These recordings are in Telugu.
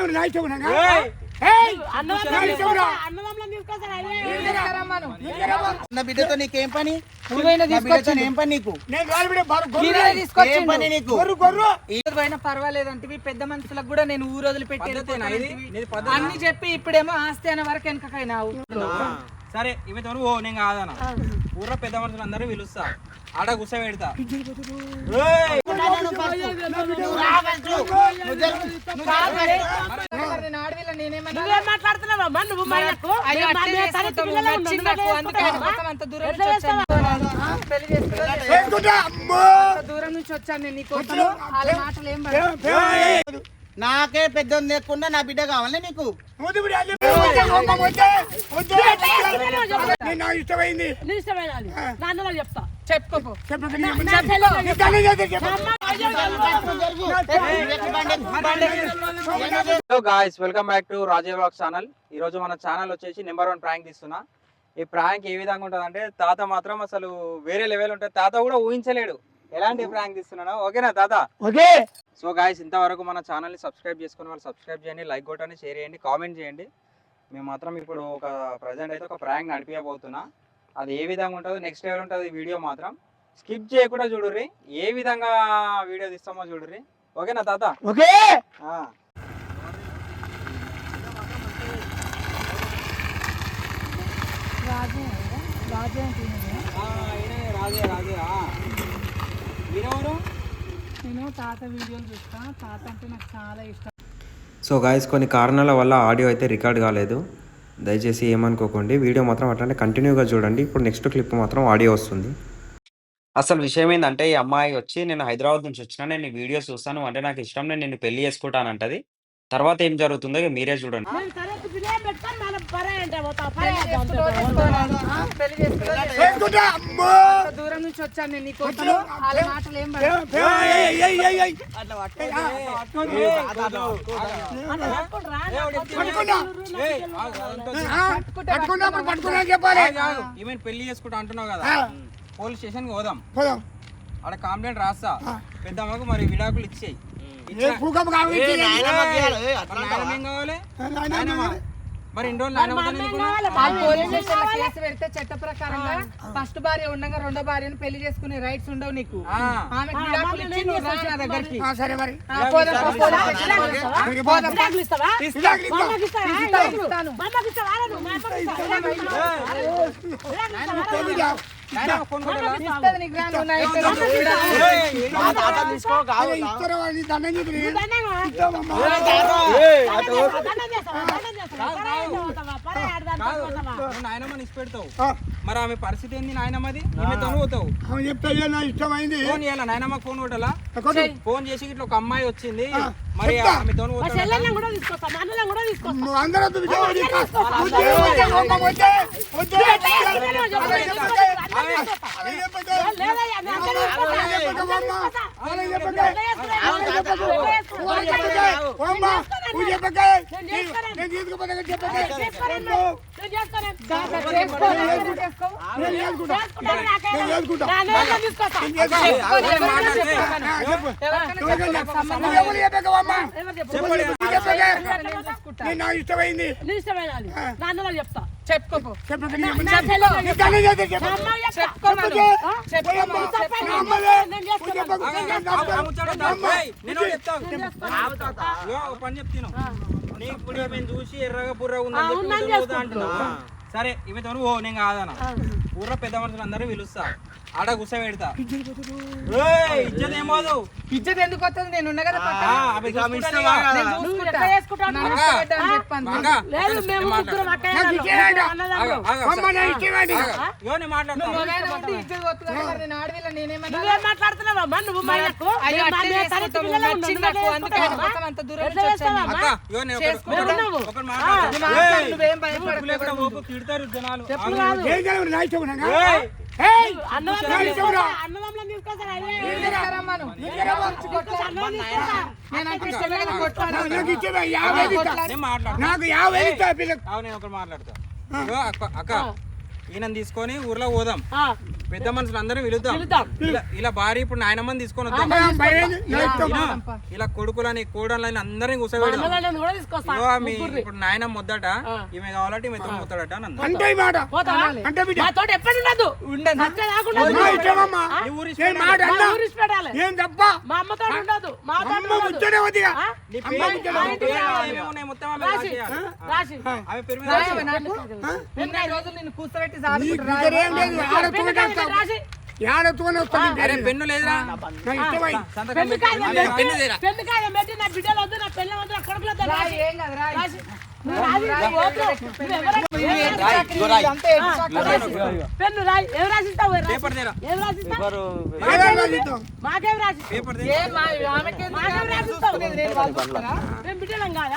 బిడ్డతో నీకేం పని? ఏం పని నీకు? పర్వాలేదంటే పెద్ద మనుషులకు కూడా నేను ఊరు వదిలిపెట్టి అన్ని చెప్పి ఇప్పుడేమో ఆస్తి అనే వరకు వెనకకైనావు. సరే ఇవతో నేను కాదనా ఊర్లో పెద్ద మనుషులు అందరూ పిలుస్తా ఆడ గుస పెడతా. దూరం నుంచి వచ్చాను నేను నీకోసం. వాళ్ళ మాటలు ఏం పడదు. నాకే పెద్ద లేకుండా నా బిడ్డ కావాలి నీకు. Guys welcome back to Raje vlogs channel. ఈ రోజు మన ఛానల్ వచ్చేసి నెంబర్ 1 ప్రాంక్ తీస్తున్నా. ఈ ప్రాంక్ ఏ విధంగా ఉంటుంది అంటే తాత మాత్రం అసలు వేరే లెవెల్ ఉంటుంది. తాత కూడా ఊహించలేడు ఎలాంటి ప్రాంక్ తీస్తున్నాను. ఓకేనా తాత? ఓకే. సో గాయ్స్ ఇంతవరకు మన ఛానల్ని సబ్స్క్రైబ్ చేసుకుని వాళ్ళు సబ్స్క్రైబ్ చేయండి, లైక్ కొట్టండి, షేర్ చేయండి, కామెంట్ చేయండి. మేము మాత్రం ఇప్పుడు ఒక ప్రజెంట్ అయితే ఒక ప్రాంక్ నడిపియబోతున్నా. అది ఏ విధంగా ఉంటుందో నెక్స్ట్ లెవెల్ ఉంటుంది. వీడియో మాత్రం స్కిప్ చేయకుండా చూడుర్రి, ఏ విధంగా వీడియో తీస్తామో చూడుర్రి. ఓకేనా తాత? ఓకే. రాజే మీరెవరు? నేను తాత వీడియోలు చూస్తా. తాత అంటే నాకు చాలా ఇష్టం. సో గాయస్ కొన్ని కారణాల వల్ల ఆడియో అయితే రికార్డ్ కాలేదు, దయచేసి ఏమనుకోకండి. వీడియో మాత్రం అట్లనే కంటిన్యూగా చూడండి. ఇప్పుడు నెక్స్ట్ క్లిప్ మాత్రం ఆడియో వస్తుంది. అసలు విషయం ఏంటంటే ఈ అమ్మాయి వచ్చి నేను హైదరాబాద్ నుంచి వచ్చినా, నేను వీడియో చూస్తాను అంటే నాకు ఇష్టం, నేను నిన్ను పెళ్లి చేసుకుంటానంటది. తర్వాత ఏం జరుగుతుందో మీరే చూడండి. దూరం నుంచి వచ్చాను నేను నీకోసం. వాళ్ళ మాటలు ఏం పడదు. ఈమె పెళ్లి చేసుకుంటా అంటున్నావు కదా, పోలీస్ స్టేషన్ కి పోదాం. ఆడ కంప్లైంట్ రాస్తా. పెద్దమ్మకు మరి విడాకులు ఇచ్చేయి. మరి ఇన్ని రోజులు కేసు పెడితే చట్ట ప్రకారంగా ఫస్ట్ భార్య ఉండగా రెండో భార్యను పెళ్లి చేసుకునే రైట్స్ ఉండవు నీకు. దగ్గరికి నాయనమ్మ ఇచ్చి పెడతావు. మరి ఆమె పరిస్థితి ఏంది? నాయనమ్మది ఈమెతో పోతావు. ఇష్టమైంది ఫోన్ చేయాలా? నాయనమ్మ ఫోన్ కొట్టాలా? ఫోన్ చేసి ఇట్లా ఒక అమ్మాయి వచ్చింది, మరి ఆమెతో ఇష్టమైంది చెప్తా. చెప్పుకో. పని చెప్తాను నీ ఇప్పుడు మేము చూసి ఎర్రగా బుర్రగా ఉందని అంటున్నా. సరే ఇవతో నేను కాదనా ఊర్లో పెద్ద మనుషులు అందరూ పిలుస్తా ఆడ గుస పెడతా. ఇజ్జత్ ఏమోదు. ఇజ్జత్ ఎందుకు వస్తుంది? నేను ఉన్నా కదా. తిడతారు జనాలు. మాట్లాడతా. అక్క ఈయన తీసుకొని ఊర్లో పోదాం, పెద్ద మనుషులు అందరం పిలుద్దాం. ఇలా భార్య ఇప్పుడు నాయనమ్మని తీసుకొని వద్దాం. ఇలా కొడుకులని కోడళ్ళని అందరినీ కూర్చోబెడదాం. ఇప్పుడు నాయనమ్మ వద్దట, ఈమె కావాలంటే ఈమె తోడు పోతాడట అని అన్నారు. పెన్ను లేదురా, పెన్ను రాయి ఏం రాసిస్తావు మాకేం రాసి బిడ్డలం కాదా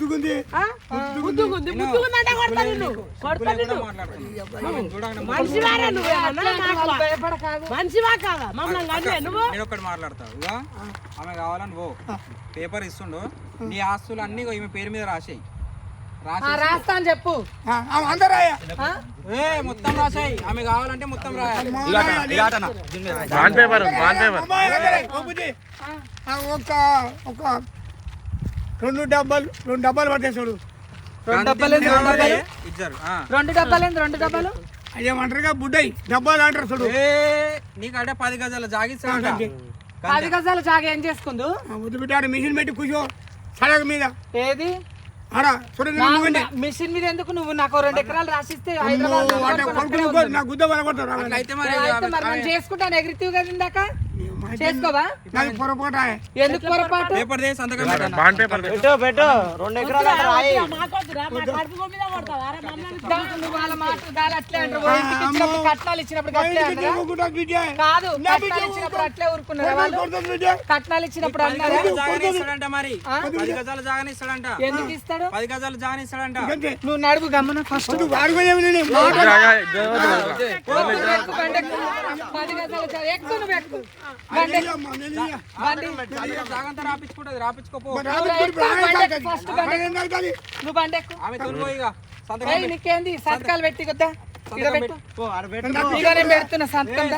మనిషివా కాదా మమ్మల్ని నువ్వు నేను ఒకటి మాట్లాడతావు. ఆమె కావాలని పో, పేపర్ ఇస్తుండు, నీ ఆస్తులు అన్ని ఈమె పేరు మీద రాసేయి. రాస్తా అని చెప్పు, మొత్తం రాసాయి. ఆమె కావాలంటే మొత్తం రాయాలి. రెండు డబ్బాలు పట్టే చూడు. రెండు డబ్బాలు అదేమంటారుగా బుడ్డయి డబ్బాలు అంటారు చూడు. నీకంటే 10 గజాల జాగిస్తాడు. 10 గజాల జాగా ఏం చేసుకుందు? వదిలిపెట్టాడు మిషన్ పెట్టి కూర్చో సడగ మీద. ఏది మిషన్ మీద ఎందుకు? నువ్వు నాకు 2 ఎకరాలు రాసిస్తే చేసుకుంటాను. ఎగిరితివి కదా ఇందాక, చేసుకోవా? ఎందుకు పొరపాటు? వాళ్ళ మాట అట్లే అంటారు. కట్నాలు ఇచ్చినప్పుడు కాదు, కట్నాలు ఇచ్చినప్పుడు అట్లే ఊరుకున్నారు వాళ్ళు. కట్నాలు ఇచ్చినప్పుడు అన్నారా? మరి 10 గజాల జాగానే ఇస్తాడంట. ఎందుకు ఇస్తాడు? 10 గజాలు జాగానే ఇస్తాడంట. నువ్వు నడుపు గమ్మన ఫస్ట్. 10 గజాల ఎక్కువ, నువ్వు ఎక్కువ జాగంతా రాపించుకుంటది, రాపించుకోపో. నువ్వు బండి ఎక్కువ. నీకేంది సంతకాలు పెట్టి కొద్దా పెడుతున్నా సంతకం.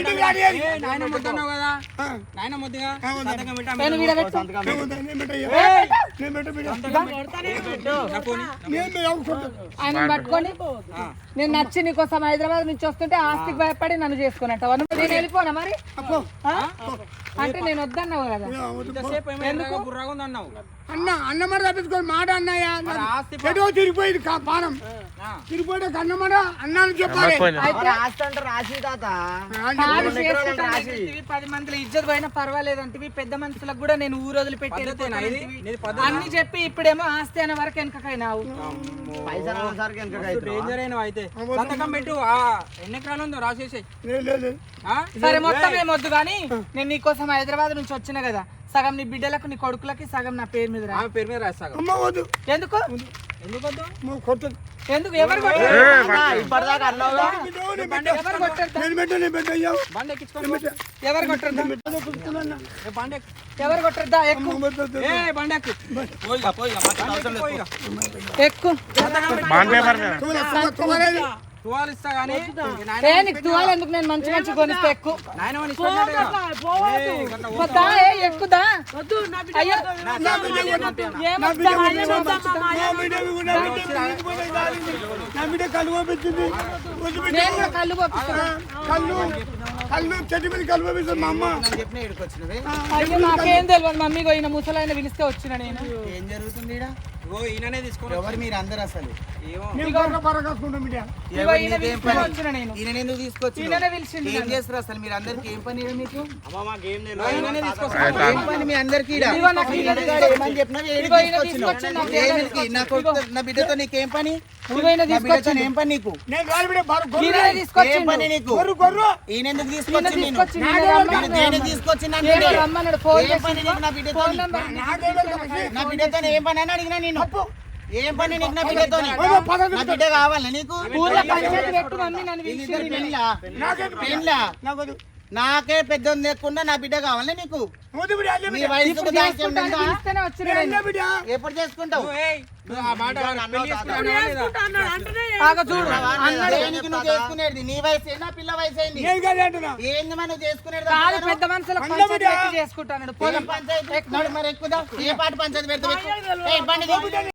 ఆయన పట్టుకొని నేను నచ్చి నీకోసం హైదరాబాద్ నుంచి వస్తుంటే ఆస్తికి భయపడి నన్ను చేసుకున్నట్టు నేను వెళ్ళిపోనా మరి? అంటే నేను వద్దన్నావు కదా. అన్న మాట తప్పించుకోండి మాట అన్నయ్య తిరిగిపోయింది పానం తిరిగిపోయి అన్నమాట అన్నాను చెప్పాలి. 10 మందిలో ఇజ్జత్ పోయినా పర్వాలేదు అంటే పెద్ద మనుషులకు కూడా నేను ఊరు వదిలిపెట్టి అన్ని చెప్పి ఇప్పుడేమో ఆస్తి అనే వరకు వెనకకైనావు. సంతకం పెట్టు. ఎన్ని ఎకరాలు ఉందో రాసేసాయి. సరే మొత్తం ఏమొద్దు కానీ నేను నీకోసం హైదరాబాద్ నుంచి వచ్చిన కదా, సగం నీ బిడ్డలకు నీ కొడుకులకి సగం నా పేరు మీద పేరు మీద రాస్తా. ఎందుకు ఎందుకు ఎవరు కొట్టద్దా? ఎక్కువ తువాలు ఎందుకు? నేను మంచి మంచి కొనిస్తే ఎక్కువ ఎక్కుదా? నేను కూడా కళ్ళు కళ్ళు చెట్టు మీద కళ్ళు పంపిస్తాను మా అమ్మ. అయ్యో నాకేం తెలియదు. మమ్మీ పోయిన ముసలైన పిలిస్తే వచ్చిన నేను. ఏం జరుగుతుంది? ఈయననే తీసుకోండి. ఎవరు మీరు అందరు అసలు ఏం చేస్తారు అసలు? మీరు అందరికి ఏం పని మీకు? ఏం పని మీ అందరికి? నా బిడ్డతో నీకేం పని? ఏం పని నీకు? ఏం పని నీకు? ఈయన ఎందుకు తీసుకొచ్చి నా బిడ్డతో ఏం పని అని అడిగినా నేను. ఏం పని నీకు? నా బిడ్డతో నా బిడ్డ కావాలా నీకు? నాకే పెద్ద లేకుండా నా బిడ్డ కావాలి నీకు నీ వయసుకు ఇప్పుడు దానికి చేసుకుంటా అని ఉందా? పిలిస్తేనే వచ్చిన నేను. ఎప్పుడు చేసుకుంటావు చేసుకుంటా అన్నాడు అంటేనే బాగా చూడు అన్నాడు. దేనికి నువ్వు చేసుకునేది నీ వయసు ఏందా పిల్ల వయసు ఏంది ఏంది మరి నువ్వు చేసుకునేది కాదు పెద్ద మనుషులకు పంచాయతీ పెట్టి చేసుకుంటాను పంచాయతీ మరి ఎక్కుదా ఏ పాట పంచాయతీ పెడతావు బండి